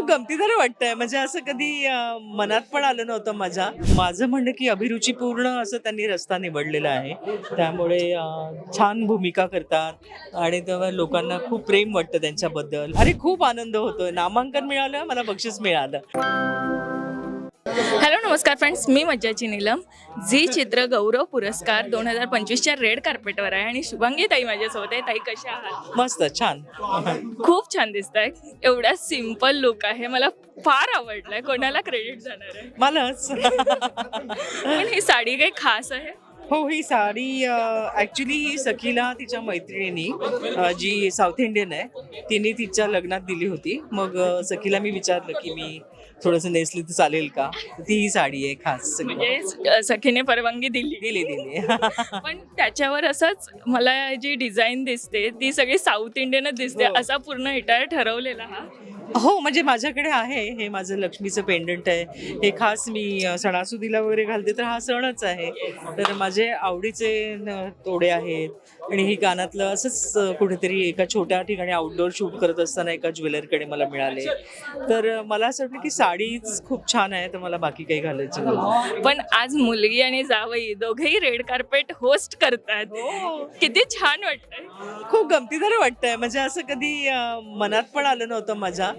गमतीदार वाटतंय. म्हणजे असं कधी मनात पण आलं नव्हतं माझं म्हणणं की अभिरुचीपूर्ण असं त्यांनी रस्ता निवडलेला आहे. त्यामुळे छान भूमिका करतात आणि तेव्हा लोकांना खूप प्रेम वाटतं त्यांच्याबद्दल. अरे खूप आनंद होतोय. नामांकन मिळालं, मला बक्षीस मिळालं. हॅलो नमस्कार फ्रेंड्स, मी मज्जाची नीलम. झी चित्र गौरव पुरस्कार 2025च्या रेड कार्पेटवर आहे आणि शुभांगी ताई माझ्यासोबत आहे. ताई कशा आहात? मस्त छान. खूप छान दिसत आहे. एवढा सिम्पल लुक आहे, मला फार आवडलाय. कोणाला क्रेडिट जाणार आहे? मलाच. पण ही साडी काही खास आहे? हो, ही साडी ॲक्च्युली ही सखीला तिच्या मैत्रिणीनी जी साऊथ इंडियन आहे तिने तिच्या लग्नात दिली होती. मग सखीला मी विचारलं की मी थोडंसं नेसली तर चालेल का? ती ही साडी आहे खास. म्हणजे सखीने परवानगी दिली. दिली. पण त्याच्यावर असंच मला जी डिझाईन दिसते ती सगळी साऊथ इंडियनच दिसते. हो. असा पूर्ण हिटायर ठरवलेला हा? हो, म्हणजे माझ्याकडे आहे. हे माझं लक्ष्मीचं पेंडंट आहे. हे खास मी सणासुदीला वगैरे घालते, तर हा सणच आहे. तर माझे आवडीचे तोडे आहेत आणि ही कानातलं असंच कुठेतरी एका छोट्या ठिकाणी आउटडोअर शूट करत असताना एका ज्वेलरकडे मला मिळाले. तर मला असं वाटलं की साडीच खूप छान आहे, तर मला बाकी काही घालायचं नाही. पण आज मुलगी आणि जावई दोघेही रेड कार्पेट होस्ट करतात. किती छान वाटतंय. खूप गमतीदार वाटतंय. म्हणजे असं कधी मनात पण आलं नव्हतं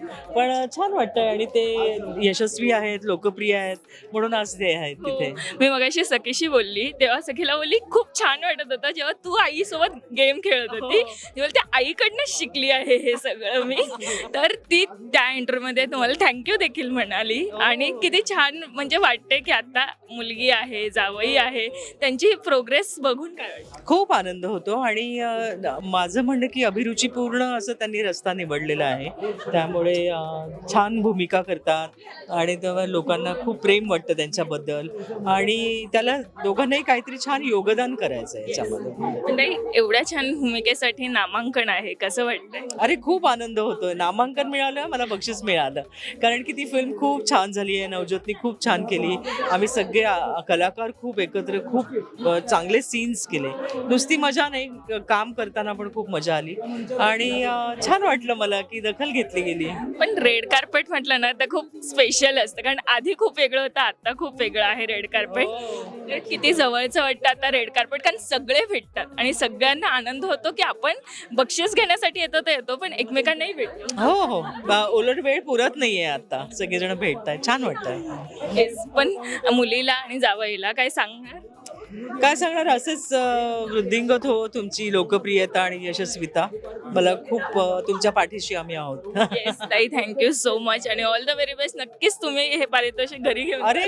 पण छान वाटतंय आणि ते यशस्वी आहेत, लोकप्रिय आहेत म्हणून आज ते आहेत तिथे. मी मगाशी सखीशी बोलली तेव्हा सखीला बोलली खूप छान वाटत होतं जेव्हा तू आईसोबत गेम खेळत होती. ती बोलते आईकडनं शिकली आहे हे सगळं मी. तर ती त्या इंटरव्ह्यूमध्ये तुम्हाला थँक्यू देखील म्हणाली. आणि किती छान म्हणजे वाटते की आता मुलगी आहे, जावई आहे, त्यांची प्रोग्रेस बघून काय वाटतं? खूप आनंद होतो आणि माझं म्हणणं की अभिरुचीपूर्ण असं त्यांनी रस्ता निवडलेला आहे. त्यामुळे छान भूमिका करतात आणि तेव्हा लोकांना खूप प्रेम वाटतं त्यांच्याबद्दल आणि त्याला दोघांनाही काहीतरी छान योगदान करायचं आहे याच्यामध्ये. पण ताई, एवढ्या छान भूमिकेसाठी नामांकन आहे, कसं वाटतंय? अरे खूप आनंद होतोय. नामांकन मिळालं, मला बक्षीस मिळालं. कारण की ती फिल्म खूप छान झाली आहे. नवज्योतनी खूप छान केली. आम्ही सगळे कलाकार खूप एकत्र खूप चांगले सीन्स केले. नुसती मजा नाही, काम करताना पण खूप मजा आली आणि छान वाटलं मला की दखल घेतली गेली. पण रेड कार्पेट म्हटलं ना तर खूप स्पेशल असतं, कारण आधी खूप वेगळं होतं, आता खूप वेगळं आहे रेड कार्पेट. तर किती जवळचं वाटतं आता रेड कार्पेट, कारण सगळे भेटतात आणि सगळ्यांना आनंद होतो की आपण बक्षीस घेण्यासाठी येतो तर येतो, पण एकमेकांनाही भेटतो. हो. उलट वेळ पुरत नाहीये आता. सगळेजण भेटतायत, छान वाटतंय. Yes, पण मुलीला आणि जावईला काय सांगणार? काय सांगणार, असेच वृद्धिंगत हो तुमची लोकप्रियता आणि यशस्विता. मला खूप तुमच्या पाठीशी आम्ही आहोत. येस ताई, थँक्यू सो मच आणि ऑल द व्हेरी बेस्ट. नक्कीच तुम्ही हे पारितोषिक घरी घेऊन अरे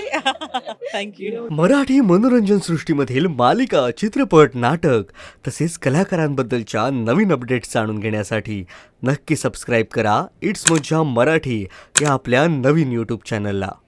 थँक्यू. मराठी मनोरंजन सृष्टीमधील मालिका, चित्रपट, नाटक तसेच कलाकारांबद्दलच्या नवीन अपडेट्स जाणून घेण्यासाठी नक्की सबस्क्राईब करा इट्स मज्जा मराठी या आपल्या नवीन यूट्यूब चॅनलला.